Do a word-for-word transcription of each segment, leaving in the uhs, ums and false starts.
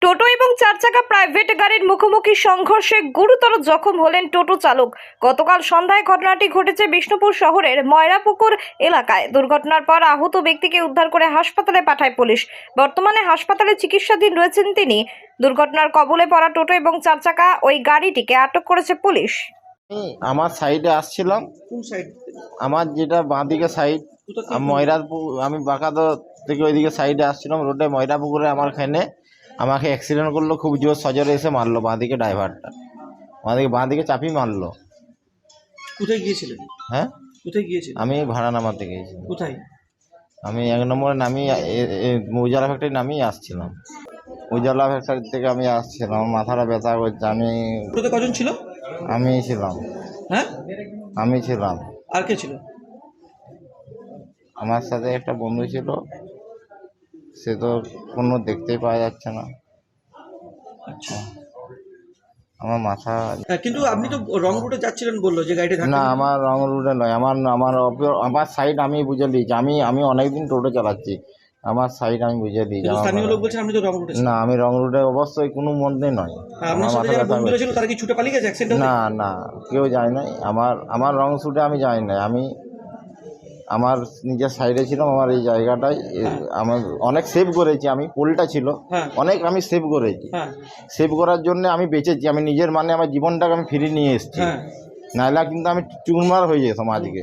টোটো এবং চার চাকা প্রাইভেট গাড়ির মুখোমুখি সংঘর্ষে গুরুতর জখম হলেন টোটো চালক। গতকাল সন্ধ্যায় ঘটনাটি ঘটেছে বিষ্ণুপুর শহরের ময়রাপুকুর এলাকায়। দুর্ঘটনার পর আহত ব্যক্তিকে উদ্ধার করে হাসপাতালে পাঠায় পুলিশ। বর্তমানে হাসপাতালে চিকিৎসাধীন রয়েছেন তিনি। দুর্ঘটনার কবলে পড়া টোটো এবং চার চাকা ওই গাড়িটিকে আটক করেছে পুলিশ। আমার সাইডে আসছিলাম, কোন সাইড? আমার যেটা বাঁদিকে সাইড, ময়রাপুর, আমি বাঁকাতো থেকে ওইদিকে সাইডে আসছিলাম রোডে ময়রাপুকুরে। আমার খানে আমাকে অ্যাক্সিডেন্ট করলো, খুব জোর সজরে এসে মারলো বাঁদিকে, ড্রাইভারটা বাঁদিকে বাঁদিকে চাপি মারলো। কোথায় গিয়েছিলেন? হ্যাঁ, কোথায় গিয়েছিলেন? আমি ভাড়া নামাতে গিয়েছি। কোথায়? আমি এক নম্বরে নামি উজালা ফ্যাক্টরি নামিয়ে আসছিলাম। উজালা ফ্যাক্টরি থেকে আমি আসছিলাম, আমার মাথাটা ব্যথা করছে। আমি টোটোতে কজন ছিল? আমি ছিলাম হ্যাঁ, আমি ছিলাম আর কে ছিল? আমার সাথে একটা বন্ধু ছিল, সে তো কোনো দেখতেই পাওয়া যাচ্ছে না। আচ্ছা, আমার মাথা হ্যাঁ, কিন্তু আপনি তো রং রুটে যাচ্ছিলেন বললো যে গাড়িটা ধাক্কা না, দিল। আমার রং রুটে নয়, আমার আমার অপ- আমার সাইড আমি বুঝে দিয়েছি। আমি আমি অনেকদিন টোটো চালাচ্ছি, আমার সাইড আমি বুঝে দিয়েছি। কিন্তু আমার স্থানীয় লোক মাথা- বলছেন আপনি তো রং রুটে ছিলেন। না, আমি রং রুটে অবশ্যই কোনো মধ্যে নয়। আর আপনার আমার সাথে মাথা যারা ব্যথা বন্ধুরা ছিল করছে। তারা কি ছুটে পালিয়ে গেছে অ্যাক্সিডেন্ট? না না, কেউ যায় নাই। আমার আমার রং রুটে আমি যাই নাই। আমি আমার নিজের সাইডে ছিলাম, আমার এই জায়গাটায় এ- আমার অনেক সেভ করেছি। আমি পোলটা ছিল, হ্যাঁ। অনেক আমি সেভ করেছি। হ্যাঁ সেভ করার জন্য আমি বেঁচেছি। আমি নিজের মানে আমার জীবনটাকে আমি ফিরিয়ে নিয়ে এসেছি, হ্যাঁ। নাহলে কিন্তু আমি চুরমার হয়ে যেতাম আজকে।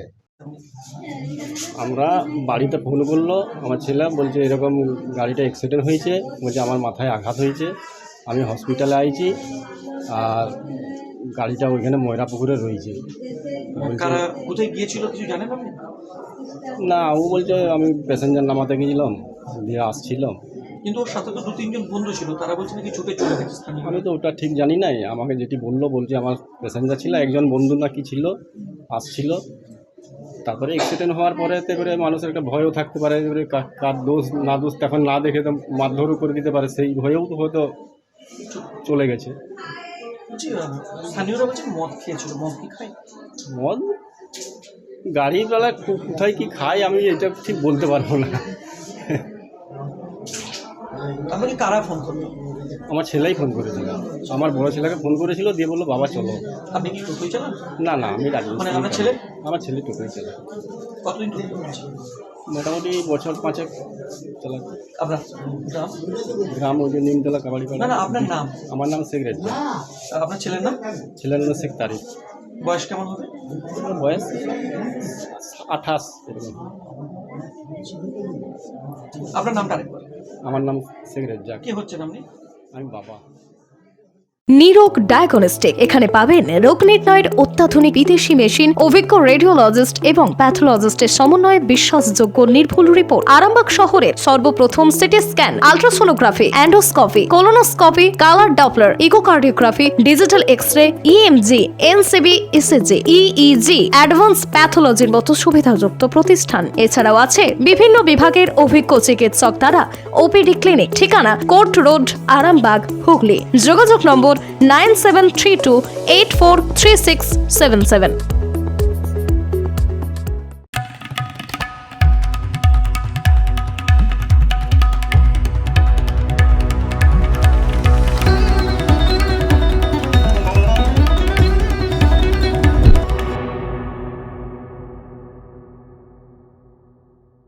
আমরা বাড়িতে ফোন করলো আমার ছেলে, বলছে এরকম গাড়িটা অ্যাক্সিডেন্ট হয়েছে, বলছে আমার মাথায় আঘাত হয়েছে, আমি হসপিটালে আইছি, আর গাড়িটা ওইখানে ময়রাপুকুরে রয়েছে। বলছে, কারা কোথায় গিয়েছিল কিছু জানেন আপনি? না, ও বলছে আমি প্যাসেঞ্জার নামাতে গেছিলাম, দিয়ে আসছিলাম। কিন্তু ওর সাথে তো দু তিনজন বন্ধু ছিল, তারা বলছে নাকি ছুটে চলে গেছে স্থানীয়। আমি তো ওটা ঠিক জানি নাই, আমাকে যেটি বললো, বলছে আমার প্যাসেঞ্জার ছিল, একজন বন্ধু নাকি ছিল, আসছিল। তারপরে অ্যাক্সিডেন্ট হওয়ার পরে তে করে মানুষের একটা ভয়ও থাকতে পারে, এবারে কা- কার দোষ না দোষ তখন না দেখে তো মারধরও করে দিতে পারে, সেই ভয়েও তো হয়তো চলে গেছে। বলছি আহ, স্থানীয়রা বলছে মদ খেয়েছিল। মদ কি খায়? মদ গাড়িওয়ালা কো- কোথায় কি খায় আমি এটা ঠিক বলতে পারবো না। আপনাকে কারা ফোন করলো? আমার ছেলেই ফোন করেছিল, আমার বড় ছেলেকে ফোন করেছিল, দিয়ে বললো বাবা চলো। আপনি কি টোটোই চালান? না না, আমি রাজি। মানে আপনার ছেলে? আমার ছেলে টোটোই চালায়, কতদিন টোটো চালাচ্ছে? মোটামুটি বছর পাঁচেক চালায়। আপনার গ্রাম? গ্রাম ওই যে নিমতলা কাবাডি না পাড়া। না, আপনার নাম? আমার নাম শেখ রেজ্জা। আর আপনার ছেলের নাম? ছেলের নাম শেখ তারিক। বয়স কেমন হবে? ওর বয়স আঠাশ এরকম। আপনার নামটা আরেকবার। আমার নাম শেখ রেজ্জা। কি হচ্ছেন আপনি? আমি বাবা। নিরোগ ডায়াগনস্টিক, এখানে পাবেন রোগ নির্ণয়ের অত্যাধুনিক বিদেশি মেশিন, অভিজ্ঞ রেডিওলজিস্ট এবং প্যাথোলজিস্টের সমন্বয়ে বিশ্বাসযোগ্য নির্ভুল রিপোর্ট। আরামবাগ শহরের সর্বপ্রথম CT scan, ultrasonography, endoscopy, colonoscopy, colour Doppler, echocardiography, digital X-ray, EMG, NCV, ECG, EEG, advance প্যাথোলজির মতো সুবিধাযুক্ত প্রতিষ্ঠান। এছাড়াও আছে বিভিন্ন বিভাগের অভিজ্ঞ চিকিৎসক দ্বারা ওপিডি ক্লিনিক। ঠিকানা কোর্ট রোড, আরামবাগ, হুগলি। যোগাযোগ number nine seven three two eight four three six seven seven.